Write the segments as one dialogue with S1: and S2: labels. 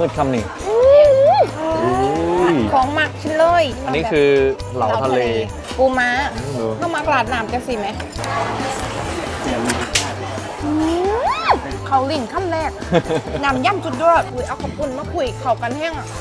S1: คำนี้
S2: ของหมักชิ้นเลย
S1: อันนี้คือเหลาทะเล
S2: ปูม้าเข้ามาหลาดน้ำจะสิไหมเขาลิ่นขั้นแรกน้ำย่ำจุดยอดเอาขอบคุณมาคุยเข่ากันแห้งอ่ะ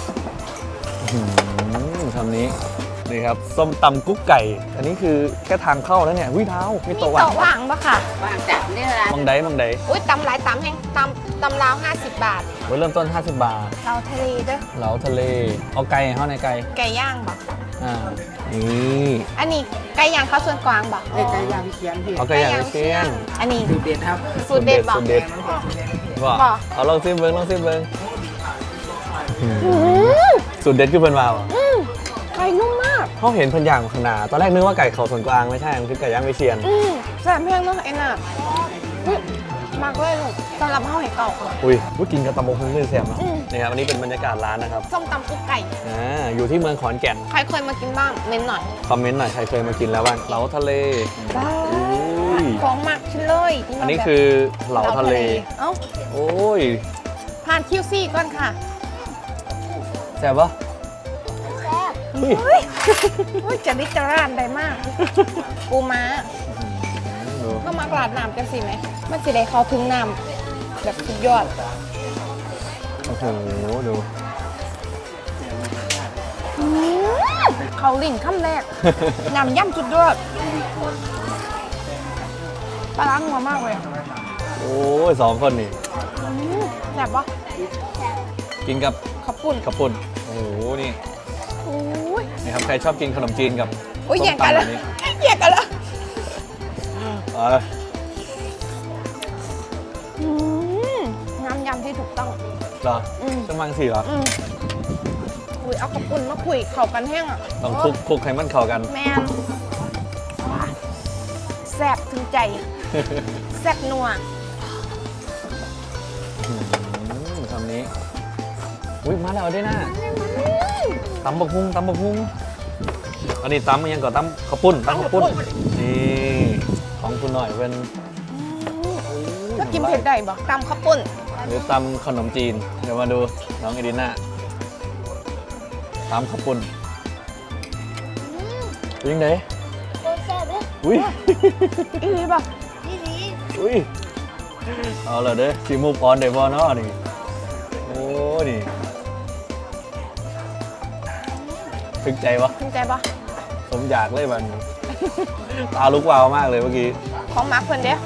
S1: คำนี้นี่ครับส้มตำกุ๊กไก่ อันนี้คือแค่ทางเข้าแล้วเนี่ยวิเท้ามีโต๊ะ
S2: มีโต๊ะว่างปะค่ะ
S3: ว่างจัดนี่ละ
S1: มังได
S2: อุ้ยตำหลายตำแห้งตำลาว50 บาท
S1: เริ่มต้น50 บาท
S2: เราทะเลเด้อ
S1: เหลาทะเลเอาไก่เข้าในไก่
S2: ไก่ย่างปะ
S1: นี่
S2: อันนี้ไก่ย่างข้าวส่วนกลางปะ
S3: ไก่ย่างเคียนพี่
S1: เอาไก่อย่างเชียน
S2: อันนี้
S3: สูตรเด็ดครับ
S2: สูตรเด็ดปะ
S1: สูตรเด็ดว่า
S2: บ่
S1: เอาลองซิมเบิ้งสูตรเด็ดคือเพิ่นมาว่ะ
S2: ไก่นุ่มมาก
S1: เขาเห็นเพิ่นย่างข้างหน้าตอนแรกนึกว่าไก่เขาส่วนกลางไม่ใช่มันคือไก่ย่างวิเชียน
S2: แซ่บแห้งเนาะไอ้น่ะมากเลยลูกสำหรับข้าวไห่เก่า
S1: อุ้ยกินกับตำบกหุ่งเลยแซ่บเนาะ
S2: อืม
S1: นี่ครับอันนี้เป็นบรรยากาศร้านนะครับ
S2: ส้มตำกุ๊กไก่
S1: อยู่ที่เมืองขอนแก่น
S2: ใครเคยมากินบ้างเม้นหน่อย
S1: คอมเมนต์หน่อยใครเคยมากินแล้วบ้างเหลาทะเล อุ้ย
S2: ของหมักชิ้นเลย
S1: อันนี้คือเหลาทะเล
S2: เอ้า
S1: โอ้ย
S2: ผ่านคิวซี่ก่อนค่ะ
S1: แซ่บปะอุ้ย
S2: โอ้ยจะริจารานได้มากปูม้า
S1: ดู
S2: ก็มากราดน้ำกันสิไหมมันสิได้เข้าถึงน้ำแบบสุดยอด
S1: โอ้โหดู
S2: เขาลิ่นขั้นแรก น้ำย่ำสุดยอดปลาล้างหัวมากเลย
S1: โอ้ย2 คนนี่
S2: แบบว่า
S1: กินกับ
S2: ขับปุ่น
S1: ข้าวปุ้นโอ้โหนี่
S2: โอ้ย
S1: นี่ครับใครชอบกินขนมจีนกับ
S2: โอ้ย
S1: ส้ม
S2: แย่งกัน
S1: ตำแบ
S2: แล้ว
S1: บนี้
S2: แย่งกันแล้ว
S1: เอา
S2: น้ำยำที่ถูกต้อง
S1: เหรอ
S2: อืม
S1: จะมังสิเหรอ
S2: อุ้ยเอาขับปุ่นมาคุยเข่ากันแห้งอ่ะ
S1: ต้องคลุกให้มันเข้ากัน
S2: แม่นแซ่บถึงใจ แซ่บนัว
S1: คำนี้อุ้ยมาแล้วได้น่าตำบักฮุงอันนี้ตำมันยังก่อนตำข้าวปุ้นนี่ของคุณหน่อยเป็น
S2: แล้วกินเผ็ดได้บ่ตำข้าวปุ้น
S1: หรือตำขนมจีนเดี๋ยวมาดูน้องเอดิน่าตำข้าวปุ้นยิงไหนอุ้ย
S2: อีหลีป่ะ
S1: อุ้ยเอาเลยเด้อสีมูฟออนเดบอลเนาะนี่โอ้นี่ถึงใจวะ
S2: ถึงใจป่ะ
S1: สมอยากเลยมันตาลุกวาวมากเลยเมื่อกี้
S2: ของมาร์คเพิ่นเด้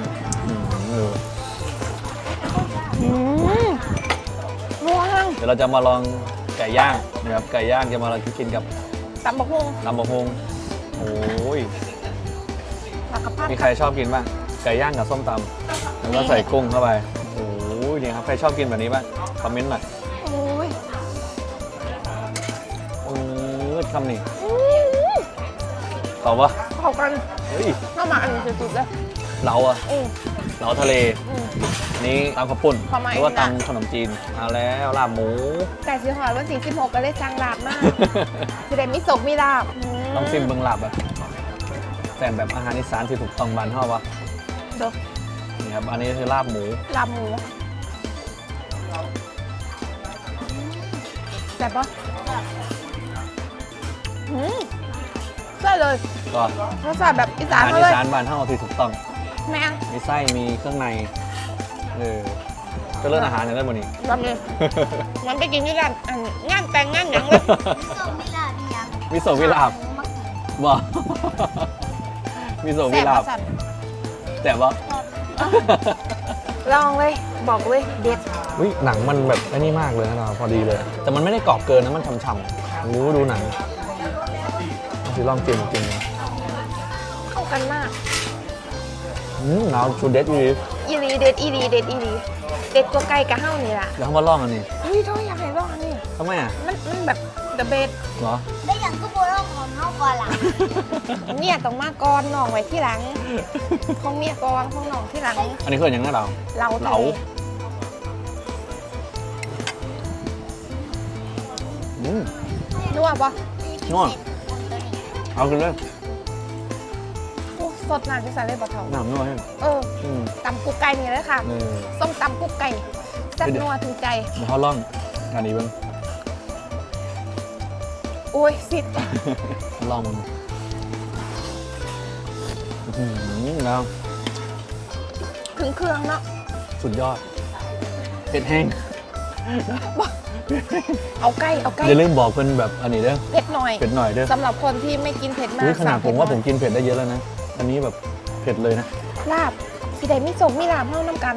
S2: นัวหั่ง
S1: เดี๋ยวเราจะมาลองไก่ย่างนะครับไก่ย่างจะมาลองกินกับ
S2: ตำบักหุ่ง
S1: ลำบะฮงโอ้ย
S2: ผักกะเพรา
S1: มีใครชอบกินบ้างไก่ย่างกับส้มตำแล้วก็ใส่กุ้งเข้าไปโอ้ยนี่ครับใครชอบกินแบบนี้บ้างคอมเมนต์หน่อย
S2: โอ้ย
S1: คำนี้ตอบว่า
S2: เข้ากัน
S1: เฮ้ย
S2: เข้ามาอันนี้สุดๆเลย
S1: เราอะ
S2: อืม
S1: เราทะเล
S2: อืม
S1: นี่ตำข้าวปุ้น
S2: ความหมาย
S1: หรือว่า
S2: นะ
S1: ตำขนมจีนเอาแล้วลาบหมู
S2: ไก่สีหอดวันที่16ก็เลยจังลาบมากสิได้มีสกมีลาบ
S1: ต้องซิมเบิงลาบอะแต่แบบอาหารอีสานที่ถูกต้องบ้านเฮาวะ
S2: ดู
S1: นี่ครับอันนี้คือลาบหมู
S2: ลาบหมูแต่บปะใช่เลย
S1: ก็
S2: รสชาติแบบอีสา
S1: อาน หาร
S2: มา
S1: อี
S2: เลย
S1: สานบ้านเฮาที่ถูกต้อง
S2: แม่ง
S1: มีไส้มีเครื่องในก็เลือกอาหารอย่างนั้นหมดนี่
S2: แบบนี้มันไปกินด้วยกันอันงานแต่งงานหยังเลย
S1: มิโซะวิลาบบ่ มิโซะวิ
S2: แซ่บ
S1: ลาบ
S2: สัตว์
S1: แต่ว่า
S2: ลองเลยบอกเลยเด็ด
S1: วิหนังมันแบบไอ้นี่มากเลยนะเราพอดีเลย แต่มันไม่ได้กรอบเกินนะมันฉ่ำๆโอ้ดูหนังสิลองกินจริงนะ
S2: เข้ากันมาก
S1: หนาวชูเด็ดอี
S2: อีรีเด็ดอีรีเด็ดอีรีเด็ดกว่าไก่กะเฮ้านี่ล่ะ
S1: เดี๋ยวเขามาลองอันนี้
S2: เฮ้ยโทษอยากให้ลองอันนี้
S1: ทำไมอ่ะ
S2: มันแบบเดอะเบส
S1: เหรอ
S4: ได้อย่างก็โบราณของเขาก่อนล่ะ
S2: เนี่ยต้องมาก่อนน้องไว้ที่หลังของเมียก่อนของน้องที่หลัง
S1: อันนี้คืออย่างนั้นเรา
S2: เรา
S1: เหลา
S2: นัวปะ
S1: นัวเอาขึ้นเลย
S2: โอ้สดน้ำจะใส่เลยปะเถา
S1: น้ำนัวให้
S2: เออตำกุ๊กไก่นี่เลยค่ะ
S1: เออ
S2: ส้มตำกุ๊กไก่แซ่บนัวถึงใจ
S1: เดี๋ยวเขาลองอันนี้เบิ้ง
S2: โอ้ยสิ
S1: ลองมันแล้ว
S2: ถึงเครื่องเนาะ
S1: สุดยอดเผ็ดแห้ง
S2: เอาใกล้
S1: อย่าลืมบอกเพื่อนแบบอันนี้เด้อ
S2: เผ็ดหน่อย
S1: เผ็ดหน่อยเด้อ
S2: สำหรับคนที่ไม่กินเผ็ดมา
S1: อุ๊
S2: ก
S1: ยขนาด
S2: สั่ง
S1: ผมว่า
S2: เด
S1: ผมกินเผ็ดได้เยอะแล้วนะ อันนี้แบบเผ็ดเลยนะ
S2: ลาบสีใดมีสมมีลาบเท่าน้ำกัน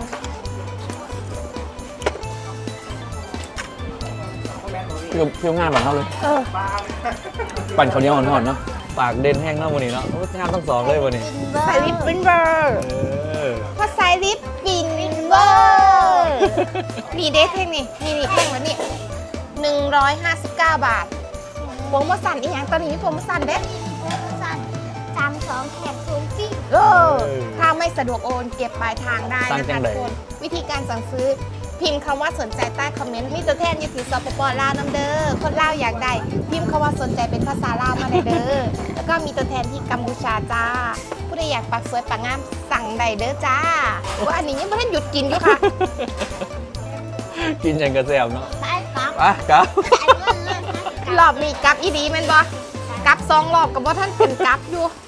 S1: เปรี้ยวง่ายแบบเขาเลย
S2: เออ
S1: ปั่นข้าวเหนียวอ่อนๆเนาะปากเด่นแห้งเนาะวันนี้เนาะโอ้ยงานต้องสองเลยวันนี้
S2: ใส่ลิปปิ้นเบอร์
S1: เออ
S2: พอใส่ลิปปิ้นเบอร์นี่เด้เท่งนี่เท่งแล้วนี่159 บาทโปรโมชั่นอีกอย่างตอนนี้มีโปรโมชั่นเด้
S4: สั่น32แถม0ฟรี
S2: ถ้าไม่สะดวกโอนเก็บปลายทางได้
S1: สั่ง
S2: นะ
S1: จั
S2: คะ
S1: งใด
S2: ทุกคนวิธีการสั่งซื้อพิมพ์คำว่าสนใจใต้คอมเมนต์มีตัวแทนอยู่ที่สปปลาวน้ำเด้อคนลาวอยากได้พิมพ์คำว่าสนใจเป็นภาษาลาวมาได้เด้อแล้วก็มีตัวแทนที่กัมพูชาจ้าผู้ใดอยากปักสวยปักงามสั่งได้เด้อจ้าว่าอันนี้ยังไม่ทันหยุดกินอยู่ค่ะ
S1: กินอย่างกระแซวเนาะ
S4: ไปกลับ
S1: อ่ะครับ
S4: จ่ายเงินเลยนะ
S2: รอบนี้กลับอีดีแม่นบ่กลับ2 รอบกับว่าท่านเป็นกลับอยู่